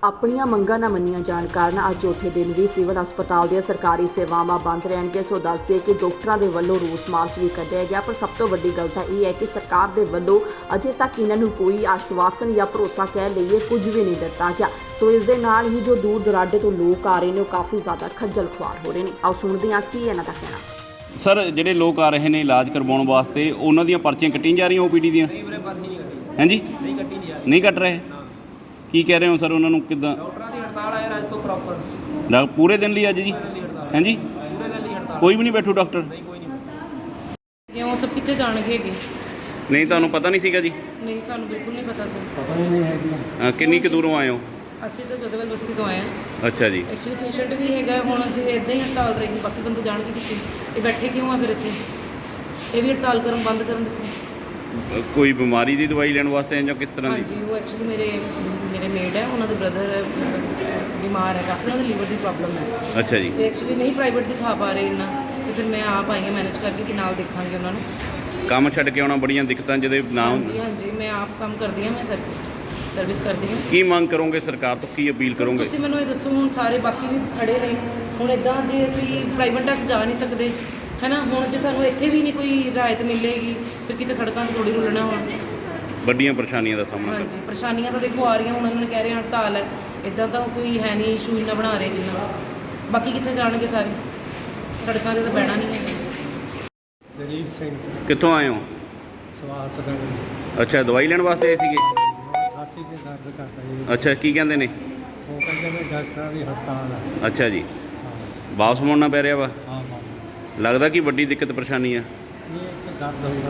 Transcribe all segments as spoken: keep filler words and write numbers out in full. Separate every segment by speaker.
Speaker 1: ਆਪਣੀਆਂ ਮੰਗਾਂ ਨਾ ਮੰਨੀਆਂ ਜਾਣ ਕਾਰਨ ਅੱਜ ਚੌਥੇ ਦਿਨ ਵੀ ਸਿਵਲ ਹਸਪਤਾਲ ਦੀਆਂ ਸਰਕਾਰੀ ਸੇਵਾਵਾਂ ਬੰਦ ਰਹਿਣਗੇ। ਸੋ ਦੱਸਦੇ ਕਿ ਡਾਕਟਰਾਂ ਦੇ ਵੱਲੋਂ ਰੋਸ ਮਾਰਚ ਵੀ ਕੱਢਿਆ ਗਿਆ, ਪਰ ਸਭ ਤੋਂ ਵੱਡੀ ਗੱਲ ਤਾਂ ਇਹ ਹੈ ਕਿ ਸਰਕਾਰ ਦੇ ਵੱਲੋਂ ਅਜੇ ਤੱਕ ਇਹਨਾਂ ਨੂੰ ਕੋਈ ਆਸ਼ਵਾਸਨ ਜਾਂ ਭਰੋਸਾ ਕਹਿ ਲਈਏ ਕੁਝ ਵੀ ਨਹੀਂ ਦਿੱਤਾ ਗਿਆ। ਸੋ ਇਸ ਦੇ ਨਾਲ ਹੀ ਜੋ ਦੂਰ ਦੁਰਾਡੇ ਤੋਂ ਲੋਕ ਆ ਰਹੇ ਨੇ ਉਹ ਕਾਫੀ ਜ਼ਿਆਦਾ ਖੱਜਲ ਖੁਆਰ ਹੋ ਰਹੇ ਨੇ। ਆਓ ਸੁਣਦੇ ਹਾਂ ਕੀ ਇਹਨਾਂ ਦਾ ਕਹਿਣਾ।
Speaker 2: ਸਰ, ਜਿਹੜੇ ਲੋਕ ਆ ਰਹੇ ਨੇ ਇਲਾਜ ਕਰਵਾਉਣ ਵਾਸਤੇ, ਉਹਨਾਂ ਦੀਆਂ ਪਰਚੀਆਂ ਕੱਟੀਆਂ ਜਾ ਰਹੀਆਂ ਓਪੀਡੀ ਦੀਆਂ? ਹਾਂਜੀ, ਨਹੀਂ ਕੱਟ ਰਹੇ। ਕੀ ਕਹਿ ਰਹੇ ਹੋ ਸਰ ਉਹਨਾਂ ਨੂੰ? ਕਿੱਦਾਂ?
Speaker 3: ਡਾਕਟਰਾਂ ਦੀ ਹੜਤਾਲ ਹੈ ਅੱਜ ਤੋਂ ਪ੍ਰੋਪਰ
Speaker 2: ਡਾ ਪੂਰੇ ਦਿਨ ਲਈ ਅੱਜ ਜੀ? ਹਾਂਜੀ,
Speaker 3: ਪੂਰੇ ਦਿਨ ਲਈ ਹੜਤਾਲ।
Speaker 2: ਕੋਈ ਵੀ ਨਹੀਂ ਬੈਠੂ ਡਾਕਟਰ?
Speaker 3: ਨਹੀਂ, ਕੋਈ ਨਹੀਂ।
Speaker 4: ਕਿਉਂ ਸਭ ਕਿੱਥੇ ਜਾਣਗੇ ਹੈਗੇ?
Speaker 2: ਨਹੀਂ, ਤੁਹਾਨੂੰ ਪਤਾ ਨਹੀਂ ਸੀਗਾ ਜੀ?
Speaker 4: ਨਹੀਂ, ਸਾਨੂੰ ਬਿਲਕੁਲ ਨਹੀਂ ਪਤਾ ਸੀ।
Speaker 3: ਪਤਾ ਹੀ ਨਹੀਂ ਹੈ ਕਿ
Speaker 2: ਅ, ਕਿੰਨੀ ਕੁ ਦੂਰੋਂ ਆਏ ਹੋ?
Speaker 4: ਅਸੀਂ ਤਾਂ ਜਦਵਲ ਬਸਤੀ ਤੋਂ ਆਏ ਹਾਂ।
Speaker 2: ਅੱਛਾ ਜੀ।
Speaker 4: ਐਕਚੁਅਲੀ ਪੇਸ਼ੈਂਟ ਵੀ ਹੈਗਾ, ਹੁਣ ਜੇ ਇੱਦਾਂ ਹੀ ਹੜਤਾਲ ਰਹੇਗੀ ਬਾਕੀ ਬੰਦੇ ਜਾਣਗੇ ਕਿੱਥੇ? ਇਹ ਬੈਠੇ ਕਿਉਂ ਆ ਫਿਰ ਇੱਥੇ? ਇਹ ਵੀ ਹੜਤਾਲ ਕਰਨ ਬੰਦ ਕਰਨ ਦਿੱਤੇ।
Speaker 2: ਅ, ਕੋਈ ਬਿਮਾਰੀ ਦੀ ਦਵਾਈ ਲੈਣ ਵਾਸਤੇ ਜਾਂ ਕਿਸ ਤਰ੍ਹਾਂ ਦੀ?
Speaker 4: ਹਾਂਜੀ, ਉਹ ਐਕਚੁਅਲੀ ਮੇਰੇ ਮੇਰੇ ਮੇਡ ਹੈ, ਉਹਨਾਂ ਦੇ ਬ੍ਰਦਰ ਬਿਮਾਰ ਹੈ ਕਾਫੀ, ਉਹਨਾਂ ਦੀ ਲੀਵਰ ਦੀ ਪ੍ਰੋਬਲਮ ਹੈ।
Speaker 2: ਅੱਛਾ ਜੀ।
Speaker 4: ਤੇ ਐਕਚੁਅਲੀ ਨਹੀਂ ਪ੍ਰਾਈਵੇਟ ਦਿਖਾ ਪਾ ਰਹੇ ਇੰਨਾ, ਤੇ ਫਿਰ ਮੈਂ ਆਪ ਆਈ ਹਾਂ ਮੈਨੇਜ ਕਰਕੇ ਕਿ ਨਾਲ ਦੇਖਾਂਗੇ ਉਹਨਾਂ ਨੂੰ।
Speaker 2: ਕੰਮ ਛੱਡ ਕੇ ਆਉਣਾ ਬੜੀਆਂ ਦਿੱਕਤਾਂ ਜਿਹਦੇ ਨਾ।
Speaker 4: ਹਾਂਜੀ ਹਾਂਜੀ, ਮੈਂ ਆਪ ਕੰਮ ਕਰਦੀ ਹਾਂ, ਮੈਂ ਸਰ ਸਰਵਿਸ ਕਰਦੀ ਹਾਂ।
Speaker 2: ਕੀ ਮੰਗ ਕਰੋਗੇ ਸਰਕਾਰ ਤੋਂ? ਕੀ ਅਪੀਲ ਕਰੋਗੇ?
Speaker 4: ਤੁਸੀਂ ਮੈਨੂੰ ਇਹ ਦੱਸੋ, ਹੁਣ ਸਾਰੇ ਬਾਕੀ ਵੀ ਖੜੇ ਨੇ, ਹੁਣ ਇੱਦਾਂ ਜੇ ਅਸੀਂ ਪ੍ਰਾਈਵੇਟਾਂ 'ਚ ਜਾ ਨਹੀਂ ਸਕਦੇ ਹੈ ਨਾ, ਹੁਣ ਜੇ ਸਾਨੂੰ ਇੱਥੇ ਵੀ ਨਹੀਂ ਕੋਈ ਰਾਹਤ ਮਿਲੇਗੀ ਫਿਰ ਕਿਤੇ ਸੜਕਾਂ 'ਤੇ ਥੋੜ੍ਹੀ ਰੁਲਣਾ ਹੁਣ।
Speaker 2: ਵੱਡੀਆਂ ਪਰੇਸ਼ਾਨੀਆਂ ਦਾ ਸਾਹਮਣਾ ਕਰਨਾ।
Speaker 4: ਹਾਂਜੀ, ਪਰੇਸ਼ਾਨੀਆਂ ਤਾਂ ਦੇਖੋ ਆ ਰਹੀਆਂ, ਹੁਣ ਉਹਨਾਂ ਨੇ ਕਹਿ ਰਹੇ ਹੜਤਾਲ ਹੈ, ਇੱਦਾਂ ਤਾਂ ਕੋਈ ਹੈ ਨਹੀਂ, ਇਸ਼ੂ ਇੰਨਾ ਬਣਾ ਰਹੇ ਜਿੰਨਾ। ਬਾਕੀ ਕਿੱਥੇ ਜਾਣਗੇ ਸਾਰੇ? ਸੜਕਾਂ 'ਤੇ ਤਾਂ ਬਹਿਣਾ ਨਹੀਂ ਹੈ।
Speaker 3: ਦਲੀਪ ਸਿੰਘ
Speaker 2: ਕਿੱਥੋਂ ਆਏ ਹੋ?
Speaker 3: ਸਵਾਸ ਦਾ
Speaker 2: ਅੱਛਾ, ਦਵਾਈ ਲੈਣ ਵਾਸਤੇ ਆਏ ਸੀਗੇ?
Speaker 3: ਛਾਤੀ ਦੇ ਦਰਦ ਕਰਦਾ ਜੀ।
Speaker 2: ਅੱਛਾ, ਕੀ ਕਹਿੰਦੇ ਨੇ?
Speaker 3: ਉਹ ਕਹਿੰਦੇ ਨੇ ਡਾਕਟਰਾਂ ਦੀ ਹੜਤਾਲ ਹੈ।
Speaker 2: ਅੱਛਾ ਜੀ।
Speaker 3: ਹਾਂ
Speaker 2: ਵਾਪਸ ਮੁੜਨਾ ਪੈ ਰਿਹਾ ਵਾ?
Speaker 3: ਹਾਂ ਹਾਂ।
Speaker 2: ਲੱਗਦਾ ਕਿ ਵੱਡੀ ਦਿੱਕਤ ਪਰੇਸ਼ਾਨੀ ਆ?
Speaker 3: ਇਹ ਇੱਕ ਦਰਦ ਹੁੰਦਾ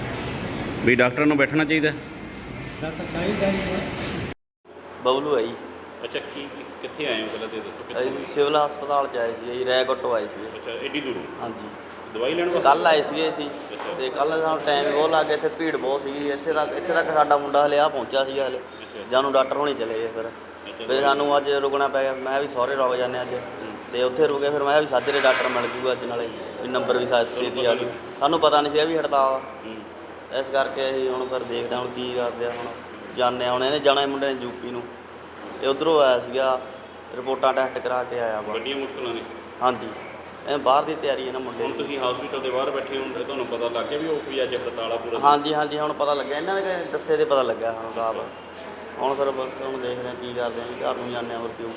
Speaker 3: ਉਹ
Speaker 2: ਵੀ ਡਾਕਟਰ ਨੂੰ ਬੈਠਣਾ ਚਾਹੀਦਾ?
Speaker 3: ਡਾਕਟਰ ਚਾਹੀਦਾ ਹੀ ਹੈ।
Speaker 5: ਬਬਲੂ ਹੈ ਜੀ।
Speaker 2: ਅੱਛਾ, ਕੀ ਕਿੱਥੇ ਆਏ ਹੋ ਪਹਿਲਾਂ ਤੇ ਦੱਸੋ?
Speaker 5: ਅਸੀਂ ਸਿਵਲ ਹਸਪਤਾਲ 'ਚ ਆਏ ਸੀ ਜੀ, ਰੈਗੋਟੋ ਆਏ ਸੀ।
Speaker 2: ਅੱਛਾ, ਏਡੀ ਦੂਰੋਂ
Speaker 5: ਹਾਂਜੀ,
Speaker 2: ਦਵਾਈ ਲੈਣ ਵਾਸਤੇ?
Speaker 5: ਕੱਲ੍ਹ ਆਏ ਸੀਗੇ ਅਸੀਂ, ਅਤੇ ਕੱਲ੍ਹ ਸਾਨੂੰ ਟਾਈਮ ਬਹੁਤ ਲੱਗ ਗਿਆ, ਇੱਥੇ ਭੀੜ ਬਹੁਤ ਸੀਗੀ। ਇੱਥੇ ਤੱਕ ਇੱਥੇ ਤੱਕ ਸਾਡਾ ਮੁੰਡਾ ਹਲੇ ਆ ਪਹੁੰਚਿਆ ਸੀਗਾ ਹਲੇ, ਜਾਨੂੰ ਡਾਕਟਰ ਹੋਣੀ ਚਲੇ ਗਏ। ਫਿਰ ਫਿਰ ਸਾਨੂੰ ਅੱਜ ਰੁਕਣਾ ਪੈ ਗਿਆ। ਮੈਂ ਵੀ ਸਹੁਰੇ ਰੁਕ ਜਾਂਦੇ ਅੱਜ, ਅਤੇ ਉੱਥੇ ਰੁਕੇ। ਫਿਰ ਮੈਂ ਵੀ ਸਾਜਰੇ ਡਾਕਟਰ ਮਿਲ ਜੂਗਾ ਅੱਜ, ਨਾਲੇ ਵੀ ਨੰਬਰ ਵੀ ਸਾ ਛੇਤੀ ਆ ਜੂ। ਸਾਨੂੰ ਪਤਾ ਨਹੀਂ ਸੀਗਾ ਵੀ ਹੜਤਾਲ ਆ, ਇਸ ਕਰਕੇ ਅਸੀਂ ਹੁਣ ਫਿਰ ਦੇਖਦੇ ਹਾਂ ਹੁਣ ਕੀ ਕਰਦੇ ਆ। ਹੁਣ ਜਾਂਦੇ ਹਾਂ, ਹੁਣ ਇਹਨੇ ਜਾਣਾ ਮੁੰਡੇ ਨੇ ਯੂਪੀ ਨੂੰ, ਇਹ ਉੱਧਰੋਂ ਆਇਆ ਸੀਗਾ, ਰਿਪੋਰਟਾਂ ਟੈਸਟ ਕਰਾ ਕੇ ਆਇਆ ਵਾ।
Speaker 2: ਵੱਡੀਆਂ ਮੁਸ਼ਕਲਾਂ ਨੇ।
Speaker 5: ਹਾਂਜੀ, ਇਹ ਬਾਹਰ ਦੀ ਤਿਆਰੀ ਹੈ ਨਾ ਮੁੰਡੇ
Speaker 2: ਹੁਣ
Speaker 5: ਦੀ।
Speaker 2: ਤੁਸੀਂ ਹਸਪੀਟਲ ਦੇ ਬਾਹਰ ਬੈਠੇ ਹੋ, ਤੇ ਤੁਹਾਨੂੰ ਪਤਾ ਲੱਗ ਗਿਆ ਵੀ ਉਹ ਵੀ ਅੱਜ ਹੜਤਾਲ ਆ ਪੂਰਾ?
Speaker 5: ਹਾਂਜੀ ਹਾਂਜੀ, ਹੁਣ ਪਤਾ ਲੱਗਿਆ, ਇਹਨਾਂ ਨੇ ਦੱਸੇ ਤੇ ਪਤਾ ਲੱਗਿਆ ਸਾਨੂੰ ਰਾਤ। ਹੁਣ ਫਿਰ ਬਸ ਹੁਣ ਦੇਖਦੇ ਹਾਂ ਕੀ ਕਰਦੇ ਹਾਂ ਜੀ, ਘਰ ਨੂੰ ਜਾਂਦੇ ਹਾਂ ਹੋਰ ਕਿਉਂ।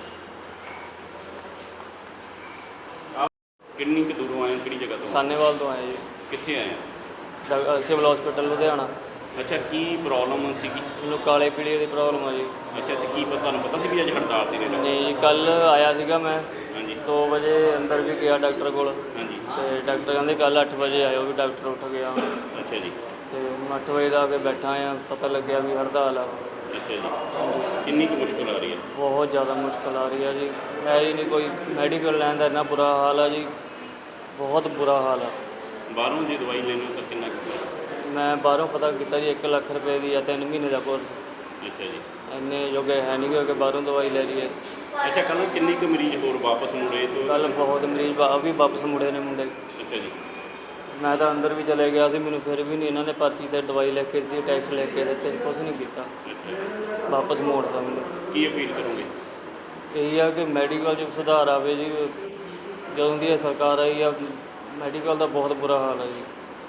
Speaker 2: ਕਿੰਨੀ ਕੁ ਦੂਰੋਂ ਆਏ ਹੋ? ਕਿਹੜੀ ਜਗ੍ਹਾ ਤੋਂ?
Speaker 5: ਸਾਨੇਵਾਲ ਤੋਂ ਆਏ ਜੀ,
Speaker 2: ਕਿੱਥੇ ਆਏ ਹੋ?
Speaker 5: ਡਾ- ਸਿਵਲ ਹਸਪੀਟਲ ਲੁਧਿਆਣਾ।
Speaker 2: ਅੱਛਾ, ਕੀ ਪ੍ਰੋਬਲਮ ਸੀਗੀ?
Speaker 5: ਮੈਨੂੰ ਕਾਲੇ ਪੀਲੀਏ ਦੀ ਪ੍ਰੋਬਲਮ ਆ ਜੀ।
Speaker 2: ਅੱਛਾ, ਤੇ ਕੀ ਪਤਾ ਤੁਹਾਨੂੰ ਪਤਾ ਸੀ ਵੀ ਅੱਜ ਹੜਤਾਲ ਦੀ ਨੇ?
Speaker 5: ਨਹੀਂ, ਕੱਲ੍ਹ ਆਇਆ ਸੀਗਾ ਮੈਂ
Speaker 2: ਹਾਂਜੀ
Speaker 5: ਦੋ ਵਜੇ, ਅੰਦਰ ਵੀ ਗਿਆ ਡਾਕਟਰ ਕੋਲ,
Speaker 2: ਹਾਂਜੀ।
Speaker 5: ਅਤੇ ਡਾਕਟਰ ਕਹਿੰਦੇ ਕੱਲ੍ਹ ਅੱਠ ਵਜੇ ਆਇਓ, ਵੀ ਡਾਕਟਰ ਉੱਠ ਗਿਆ।
Speaker 2: ਅੱਛਾ ਜੀ।
Speaker 5: ਅਤੇ ਹੁਣ ਅੱਠ ਵਜੇ ਦਾ ਆ ਕੇ ਬੈਠਾ ਆ, ਪਤਾ ਲੱਗਿਆ ਵੀ ਹੜਤਾਲ ਆ।
Speaker 2: ਅੱਛਾ ਜੀ। ਕਿੰਨੀ ਕੁ ਮੁਸ਼ਕਲ ਆ ਰਹੀ ਹੈ?
Speaker 5: ਬਹੁਤ ਜ਼ਿਆਦਾ ਮੁਸ਼ਕਿਲ ਆ ਰਹੀ ਆ ਜੀ, ਹੈ ਹੀ ਨਹੀਂ ਕੋਈ ਮੈਡੀਕਲ ਲੈਣ ਦਾ, ਇੰਨਾ ਬੁਰਾ ਹਾਲ ਆ ਜੀ, ਬਹੁਤ ਬੁਰਾ ਹਾਲ ਆ।
Speaker 2: ਬਾਹਰੋਂ ਜੇ ਦਵਾਈ ਲੈਣੀ ਹੋ ਤਾਂ ਕਿੰਨਾ ਕੁ?
Speaker 5: ਮੈਂ ਬਾਹਰੋਂ ਪਤਾ ਕੀਤਾ ਜੀ, ਇੱਕ ਲੱਖ ਰੁਪਏ ਦੀ ਆ, ਤਿੰਨ ਮਹੀਨੇ ਦਾ ਕੋਰਸ।
Speaker 2: ਅੱਛਾ ਜੀ।
Speaker 5: ਇੰਨੇ ਜੋਗੇ ਹੈ ਨਹੀਂ ਕਿ ਬਾਹਰੋਂ ਦਵਾਈ ਲੈ ਲਈਏ।
Speaker 2: ਅੱਛਾ, ਕੱਲ੍ਹ ਕਿੰਨੇ ਕੁ ਮਰੀਜ਼ ਹੋਰ ਵਾਪਸ ਮੁੜੇ ਤੋਂ?
Speaker 5: ਕੱਲ੍ਹ ਬਹੁਤ ਮਰੀਜ਼ ਵਾ ਵੀ ਵਾਪਸ ਮੁੜੇ ਨੇ ਮੁੰਡੇ।
Speaker 2: ਅੱਛਾ ਜੀ।
Speaker 5: ਮੈਂ ਤਾਂ ਅੰਦਰ ਵੀ ਚਲੇ ਗਿਆ ਸੀ, ਮੈਨੂੰ ਫਿਰ ਵੀ ਨਹੀਂ ਇਹਨਾਂ ਨੇ ਪਰਚੀ 'ਤੇ ਦਵਾਈ ਲੈ ਕੇ ਦਿੱਤੀ, ਟੈਸਟ ਲੈ ਕੇ ਦਿੱਤੇ, ਕੁਛ ਨਹੀਂ ਕੀਤਾ,
Speaker 2: ਅੱਛਾ,
Speaker 5: ਵਾਪਸ ਮੋੜਤਾ ਮੈਨੂੰ।
Speaker 2: ਕੀ ਅਪੀਲ ਕਰੋਗੇ?
Speaker 5: ਇਹੀ ਆ ਕਿ ਮੈਡੀਕਲ 'ਚ ਸੁਧਾਰ ਆਵੇ ਜੀ। ਜਦੋਂ ਦੀ ਇਹ ਸਰਕਾਰ ਆਈ ਆ, ਮੈਡੀਕਲ ਦਾ ਬਹੁਤ ਬੁਰਾ ਹਾਲ ਹੈ ਜੀ।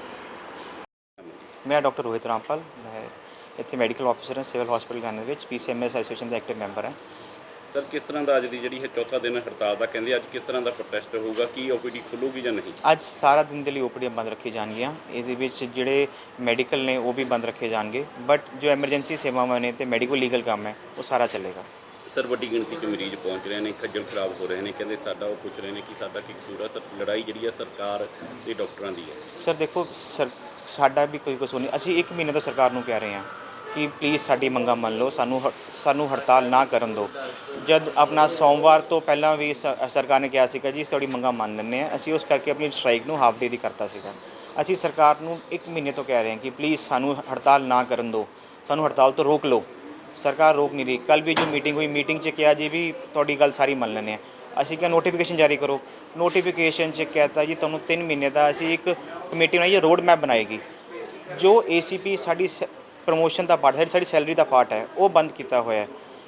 Speaker 6: ਮੈਂ ਡਾਕਟਰ ਰੋਹਿਤ ਰਾਮਪਾਲ, ਮੈਂ ਇੱਥੇ ਮੈਡੀਕਲ ਆਫਿਸਰ ਹਾਂ ਸਿਵਲ ਹਸਪੀਟਲ ਗਾਨੇ ਵਿੱਚ, P C M S association ਦਾ ਐਕਟਿਵ ਮੈਂਬਰ ਹਾਂ।
Speaker 2: ਸਰ, ਕਿਸ ਤਰ੍ਹਾਂ ਦਾ ਅੱਜ ਦੀ ਜਿਹੜੀ ਹੈ ਚੌਥਾ ਦਿਨ ਹੜਤਾਲ ਦਾ ਕਹਿੰਦੇ, ਅੱਜ ਕਿਸ ਤਰ੍ਹਾਂ ਦਾ ਪ੍ਰੋਟੈਸਟ ਹੋਊਗਾ? ਕੀ ਓ ਪੀ ਡੀ ਖੁੱਲੂਗੀ ਜਾਂ ਨਹੀਂ?
Speaker 6: ਅੱਜ ਸਾਰਾ ਦਿਨ ਦੇ ਲਈ ਓ ਪੀ ਡੀਆਂ ਬੰਦ ਰੱਖੀ ਜਾਣਗੀਆਂ। ਇਹਦੇ ਵਿੱਚ ਜਿਹੜੇ ਮੈਡੀਕਲ ਨੇ ਉਹ ਵੀ ਬੰਦ ਰੱਖੇ ਜਾਣਗੇ, ਬਟ ਜੋ ਐਮਰਜੈਂਸੀ ਸੇਵਾਵਾਂ ਨੇ ਅਤੇ ਮੈਡੀਕਲ ਲੀਗਲ ਕੰਮ ਹੈ ਉਹ ਸਾਰਾ ਚੱਲੇਗਾ।
Speaker 2: ਸਰ, ਵੱਡੀ ਗਿਣਤੀ 'ਚ ਮਰੀਜ਼ ਪਹੁੰਚ ਰਹੇ ਨੇ, ਖੱਜਲ ਖਰਾਬ ਹੋ ਰਹੇ ਨੇ, ਕਹਿੰਦੇ ਸਾਡਾ ਉਹ ਪੁੱਛ ਰਹੇ ਨੇ ਕਿ ਸਾਡਾ ਕੀ ਕਸੂਰ ਹੈ? ਸਰ, ਲੜਾਈ ਜਿਹੜੀ ਹੈ ਸਰਕਾਰ ਤੇ ਡਾਕਟਰਾਂ ਦੀ ਹੈ।
Speaker 6: ਸਰ ਦੇਖੋ, ਸਰ ਸਾਡਾ ਵੀ ਕੋਈ ਕਸੂਰ ਨਹੀਂ। ਅਸੀਂ ਇੱਕ ਮਹੀਨੇ ਤੋਂ ਸਰਕਾਰ ਨੂੰ ਕਹਿ ਰਹੇ ਹਾਂ ਕਿ ਪਲੀਜ਼ ਸਾਡੀ ਮੰਗਾਂ ਮੰਨ ਲਓ, ਸਾਨੂੰ ਹ ਸਾਨੂੰ ਹੜਤਾਲ ਨਾ ਕਰਨ ਦਿਓ। ਜਦ ਆਪਣਾ ਸੋਮਵਾਰ ਤੋਂ ਪਹਿਲਾਂ ਵੀ ਸ ਸਰਕਾਰ ਨੇ ਕਿਹਾ ਸੀਗਾ ਜੀ ਤੁਹਾਡੀ ਮੰਗਾਂ ਮੰਨ ਲੈਂਦੇ ਹਾਂ, ਅਸੀਂ ਉਸ ਕਰਕੇ ਆਪਣੀ ਸਟ੍ਰਾਈਕ ਨੂੰ ਹਾਫ ਡੇ ਦੀ ਕਰਤਾ ਸੀਗਾ। ਅਸੀਂ ਸਰਕਾਰ ਨੂੰ ਇੱਕ ਮਹੀਨੇ ਤੋਂ ਕਹਿ ਰਹੇ ਹਾਂ ਕਿ ਪਲੀਜ਼ ਸਾਨੂੰ ਹੜਤਾਲ ਨਾ ਕਰਨ ਦਿਓ, ਸਾਨੂੰ ਹੜਤਾਲ ਤੋਂ ਰੋਕ ਲਓ। ਸਰਕਾਰ ਰੋਕ ਨਹੀਂ ਰਹੀ। ਕੱਲ੍ਹ ਵੀ ਜੋ ਮੀਟਿੰਗ ਹੋਈ, ਮੀਟਿੰਗ 'ਚ ਕਿਹਾ ਜੀ ਵੀ ਤੁਹਾਡੀ ਗੱਲ ਸਾਰੀ ਮੰਨ ਲੈਂਦੇ ਹਾਂ। ਅਸੀਂ ਕਿਹਾ ਨੋਟੀਫਿਕੇਸ਼ਨ ਜਾਰੀ ਕਰੋ। ਨੋਟੀਫਿਕੇਸ਼ਨ 'ਚ ਕਹਿਤਾ ਜੀ ਤੁਹਾਨੂੰ ਤਿੰਨ ਮਹੀਨੇ ਦਾ ਅਸੀਂ ਇੱਕ ਕਮੇਟੀ ਬਣਾਈ ਹੈ, ਰੋਡ ਮੈਪ ਬਣਾਏਗੀ। ਜੋ ਏ ਸੀ ਪੀ ਸਾਡੀ ਪ੍ਰਮੋਸ਼ਨ ਦਾ ਪਾਰਟ ਹੈ, ਸਾਡੀ ਸੈਲਰੀ ਦਾ ਪਾਰਟ ਹੈ, ਉਹ ਬੰਦ ਕੀਤਾ ਹੋਇਆ ਹੈ।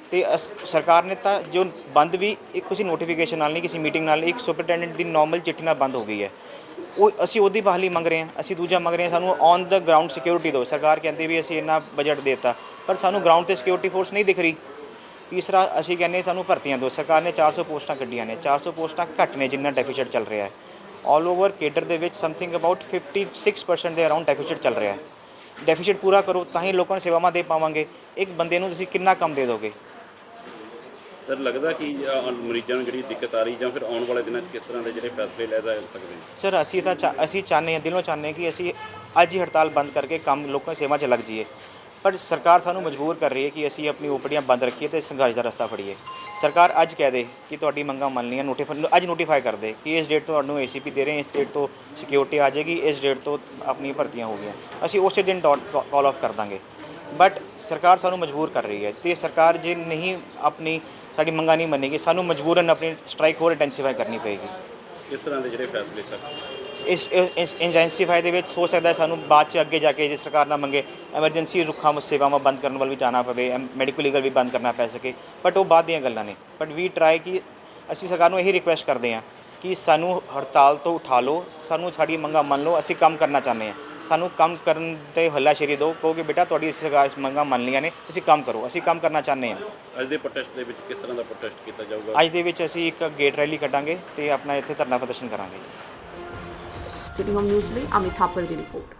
Speaker 6: ਤੇ ਅਸ- ਸਰਕਾਰ ਨੇ ਤਾਂ ਜੋ ਬੰਦ ਵੀ ਇੱਕ ਕਿਸੇ ਨੋਟੀਫਿਕੇਸ਼ਨ ਨਾਲ ਨਹੀਂ, ਕਿਸੇ ਮੀਟਿੰਗ ਨਾਲ ਨਹੀਂ, ਇੱਕ ਸੁਪਰਟੈਂਡੈਂਟ ਦੀ ਨਾਰਮਲ ਚਿੱਠੀ ਨਾਲ ਬੰਦ ਹੋ ਗਈ ਹੈ। ਉਹ ਅਸੀਂ ਉਹਦੀ ਬਹਾਲੀ ਮੰਗ ਰਹੇ ਹਾਂ। ਅਸੀਂ ਦੂਜਾ ਮੰਗ ਰਹੇ ਹਾਂ ਸਾਨੂੰ ਔਨ ਦਾ ਗਰਾਊਂਡ ਸਿਕਿਉਰਿਟੀ ਦਿਓ। ਸਰਕਾਰ ਕਹਿੰਦੀ ਵੀ ਅਸੀਂ ਇੰਨਾ ਬਜਟ ਦੇਤਾ, ਪਰ ਸਾਨੂੰ ਗਰਾਊਂਡ ਤੇ ਸਿਕਿਉਰਿਟੀ ਫੋਰਸ ਨਹੀਂ ਦਿਖ ਰਹੀ। ਤੀਸਰਾ ਅਸੀਂ ਕਹਿੰਦੇ ਸਾਨੂੰ ਭਰਤੀਆਂ ਦਿਓ। ਸਰਕਾਰ ਨੇ ਚਾਰ ਸੌ ਪੋਸਟਾਂ ਕੱਢੀਆਂ ਨੇ, ਚਾਰ ਸੌ ਪੋਸਟਾਂ ਘੱਟ ਨੇ ਜਿੰਨਾ ਡੈਫੀਸਿਟ ਚੱਲ ਰਿਹਾ ਹੈ। ਆਲ ਓਵਰ ਕੇਡਰ ਦੇ ਵਿੱਚ something about fifty six percent ਦੇ ਅਰਾਊਂਡ ਡੈਫੀਸਿਟ ਚੱਲ ਰਿਹਾ ਹੈ। ਡੈਫੀਸਿਟ ਪੂਰਾ ਕਰੋ ਤਾਂ ਹੀ ਲੋਕਾਂ ਨੂੰ ਸੇਵਾਵਾਂ ਦੇ ਪਾਵਾਂਗੇ। ਇੱਕ ਬੰਦੇ ਨੂੰ ਤੁਸੀਂ ਕਿੰਨਾ ਕੰਮ ਦੇ ਦੋਗੇ?
Speaker 2: ਸਰ ਲੱਗਦਾ ਕਿ ਅ, ਮਰੀਜ਼ਾਂ ਨੂੰ ਜਿਹੜੀ ਦਿੱਕਤ ਆ ਰਹੀ ਜਾਂ ਫਿਰ ਆਉਣ ਵਾਲੇ ਦਿਨਾਂ 'ਚ ਕਿਸ ਤਰ੍ਹਾਂ ਦੇ ਜਿਹੜੇ ਫੈਸਲੇ ਲੈ ਜਾ ਸਕਦੇ ਨੇ?
Speaker 6: ਸਰ ਅਸੀਂ ਤਾਂ ਚਾ- ਅਸੀਂ ਚਾਹੁੰਦੇ ਹਾਂ, ਦਿਲੋਂ ਚਾਹੁੰਦੇ ਹਾਂ ਕਿ ਅਸੀਂ ਅੱਜ ਹੀ ਹੜਤਾਲ ਬੰਦ ਕਰਕੇ ਕੰਮ ਲੋਕਾਂ ਦੀ ਸੇਵਾ 'ਚ ਲੱਗ ਜਾਈਏ, ਪਰ ਸਰਕਾਰ ਸਾਨੂੰ ਮਜਬੂਰ ਕਰ ਰਹੀ ਹੈ ਕਿ ਅਸੀਂ ਆਪਣੀ ਓਪੀਡੀਆਂ ਬੰਦ ਰੱਖੀਏ ਤੇ ਸੰਘਰਸ਼ ਦਾ ਰਸਤਾ ਫੜੀਏ। ਸਰਕਾਰ ਅੱਜ ਕਹਿ ਦੇ ਕਿ ਤੁਹਾਡੀ ਮੰਗਾਂ ਮੰਨ ਲਈਆਂ, ਨੋਟੀਫਾਈ ਅੱਜ ਨੋਟੀਫਾਈ ਕਰ ਦੇ ਕਿ ਇਸ ਡੇਟ ਤੋਂ ਤੁਹਾਨੂੰ ਏਸੀਪੀ ਦੇ ਰਹੇ ਹਾਂ, ਇਸ ਡੇਟ ਤੋਂ ਸਿਕਿਉਰਿਟੀ ਆ ਜਾਏਗੀ, ਇਸ ਡੇਟ ਤੋਂ ਆਪਣੀ ਭਰਤੀਆਂ ਹੋ ਗਈਆਂ, ਅਸੀਂ ਉਸੇ ਦਿਨ ਕਾਲ ਆਫ ਕਰ ਦਾਂਗੇ। ਬਟ ਸਰਕਾਰ ਸਾਨੂੰ ਮਜਬੂਰ ਕਰ ਰਹੀ ਹੈ ਤੇ ਸਰਕਾਰ ਜੇ ਨਹੀਂ ਆਪਣੀ ਸਾਡੀ ਮੰਗਾਂ ਨਹੀਂ ਮੰਨੇਗੀ, ਸਾਨੂੰ ਮਜਬੂਰਨ ਆਪਣੀ ਸਟ੍ਰਾਈਕ ਹੋਰ ਇੰਟੈਂਸੀਫਾਈ ਕਰਨੀ ਪਏਗੀ।
Speaker 2: ਕਿਸ ਤਰ੍ਹਾਂ ਦੇ ਜਿਹੜੇ ਫੈਸਲੇ ਸਰ?
Speaker 6: ਇਸ ਇਸ ਇੰਟੈਂਸੀਫਾਈ ਦੇ ਵਿੱਚ ਹੋ ਸਕਦਾ ਹੈ ਸਾਨੂੰ ਬਾਅਦ 'ਚ ਅੱਗੇ ਜਾ ਕੇ ਜੇ ਸਰਕਾਰ ਨਾ ਮੰਗੇ ਐਮਰਜੈਂਸੀ ਰੁੱਖਾਂ ਸੇਵਾਵਾਂ ਬੰਦ ਕਰਨ ਵੱਲ ਵੀ ਜਾਣਾ ਪਵੇ, ਮੈਡੀਕਲ ਲੀਗਲ ਵੀ ਬੰਦ ਕਰਨਾ ਪੈ ਸਕੇ, ਬਟ ਉਹ ਬਾਅਦ ਦੀਆਂ ਗੱਲਾਂ ਨੇ। ਬਟ ਵੀ ਟਰਾਈ ਕਿ ਅਸੀਂ ਸਰਕਾਰ ਨੂੰ ਇਹੀ ਰਿਕੁਐਸਟ ਕਰਦੇ ਹਾਂ ਕਿ ਸਾਨੂੰ ਹੜਤਾਲ ਤੋਂ ਉਠਾ ਲਓ, ਸਾਨੂੰ ਸਾਡੀ ਮੰਗਾਂ ਮੰਨ ਲਓ, ਅਸੀਂ ਕੰਮ ਕਰਨਾ ਚਾਹੁੰਦੇ ਹਾਂ। ਸਾਨੂੰ ਕੰਮ ਕਰਨ ਤੇ ਹੱਲਾਸ਼ੇਰੀ ਦਿਓ, ਕਹੋ ਕਿ ਬੇਟਾ ਤੁਹਾਡੀ ਸਰਕਾਰ ਮੰਗਾਂ ਮੰਨ ਲਈਆਂ ਨੇ, ਤੁਸੀਂ ਕੰਮ ਕਰੋ, ਅਸੀਂ ਕੰਮ ਕਰਨਾ ਚਾਹੁੰਦੇ ਹਾਂ।
Speaker 2: ਅੱਜ ਦੇ ਪ੍ਰੋਟੈਸਟ ਦੇ ਵਿੱਚ ਕਿਸ ਤਰ੍ਹਾਂ ਦਾ ਪ੍ਰੋਟੈਸਟ ਕੀਤਾ ਜਾਊਗਾ?
Speaker 6: ਅੱਜ ਦੇ ਵਿੱਚ ਅਸੀਂ ਇੱਕ ਗੇਟ ਰੈਲੀ ਕੱਢਾਂਗੇ ਤੇ ਆਪਣਾ ਇੱਥੇ ਧਰਨਾ ਪ੍ਰਦਰਸ਼ਨ ਕਰਾਂਗੇ।
Speaker 1: ਸਿਟੀ ਹੋਮ ਨਿਊਜ਼ ਲਈ ਅਮਿਤ ਥਾਪਰ ਦੀ ਰਿਪੋਰਟ।